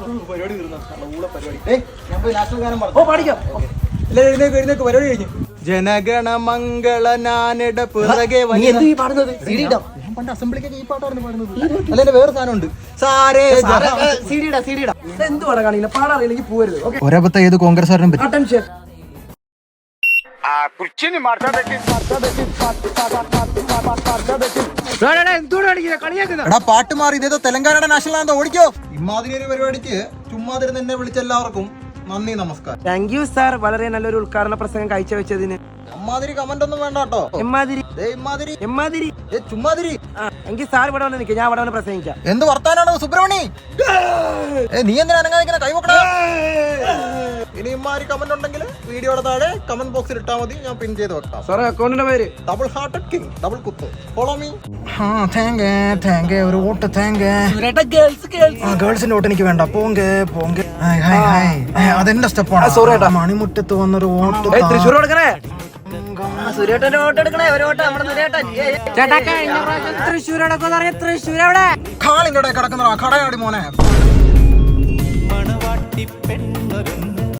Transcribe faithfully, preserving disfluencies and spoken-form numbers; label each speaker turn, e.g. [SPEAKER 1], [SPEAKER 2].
[SPEAKER 1] പരിപാടി തീർന്നു. പരിപാടി ഞാൻ പോയി നാഷണൽ ഗാനം പറഞ്ഞു. ഓ പാടിക്കാം. എല്ലാവരും എഴുന്നേക്ക് എഴുന്നേക്ക് പരിപാടി കഴിഞ്ഞു. ജനഗണമംഗള നാനിട പിറകെ പാടുന്നത് ഞാൻ പണ്ട് അസംബ്ലിക്കൊക്കെ ഈ പാട്ടാണ് പാടുന്നത്. അല്ലെ വേറെ സാധനമുണ്ട്. ഒരബത്ത ഏത് കോൺഗ്രസ്സുകാരനും പറ്റും. പാട്ട് മാറി ഇതേതോ തെലങ്കാനയുടെ നാഷണൽ ആണെന്ന് ഓടിക്കോ. ഇമാതിരി ഒരു പരിപാടിക്ക് ചുമ്മാതിരുന്ന് എന്നെ വിളിച്ച എല്ലാവർക്കും നന്ദി, നമസ്കാരം.
[SPEAKER 2] താങ്ക് യു സാർ, വളരെ നല്ലൊരു ഉദ്ഘാടന പ്രസംഗം കാഴ്ചവെച്ചതിന്.
[SPEAKER 1] അമ്മാതിരി കമന്റ് ഒന്നും വേണ്ട കേട്ടോ.
[SPEAKER 2] എമ്മാതിരി
[SPEAKER 1] ഇമ്മാതിരി
[SPEAKER 2] എമ്മാതിരി
[SPEAKER 1] ചുമ്മാതിരി.
[SPEAKER 2] എങ്കിൽ സാർ ഇവിടെ വന്ന് നിൽക്കുക, ഞാൻ ഇവിടെ വന്ന് പ്രസംഗിക്കാം.
[SPEAKER 1] എന്ത് വർത്താനാണ് സുബ്രഹ്മണി? നീ എന്തിനാ അനങ്ങാതിങ്ങനെ കൈവക്കടാ? ഇനി ഇമ്മാതിരി കമന്റ് ഉണ്ടെങ്കിൽ വീഡിയോയുടെ താഴെ കമന്റ് ബോക്സിൽ ഇട്ടാൽ മതി, ഞാൻ പിൻ ചെയ്ത് വെക്കാം.
[SPEAKER 2] സാറേ അക്കൗണ്ടിന്റെ പേര്
[SPEAKER 1] ഡബിൾ ഹാർട്ടഡ് കിങ്, ഡബിൾ കുത്ത്. Follow me. ഒരു വോട്ട് ഗേൾസിന്റെ വോട്ട് എനിക്ക് വേണ്ട. പോങ്ക പോങ്ക. അതെന്റെ സ്റ്റെപ്പാണ്. സോറി ഏട്ടാ, മണിമുറ്റത്ത് വന്നൊരു വോട്ട്.
[SPEAKER 2] തൃശ്ശൂർ കൊടുക്കണേ.
[SPEAKER 3] സുരേട്ടന്റെ വോട്ട് എടുക്കണേ. ഒരു വോട്ട് നമ്മുടെ സുരേട്ടൻ.
[SPEAKER 2] തൃശ്ശൂർ തൃശ്ശൂർ എവിടെ
[SPEAKER 1] കാളിന്റെ കിടക്കുന്ന കടയാടി മോനെ.
[SPEAKER 4] മണവാട്ടി പെണ്ണ്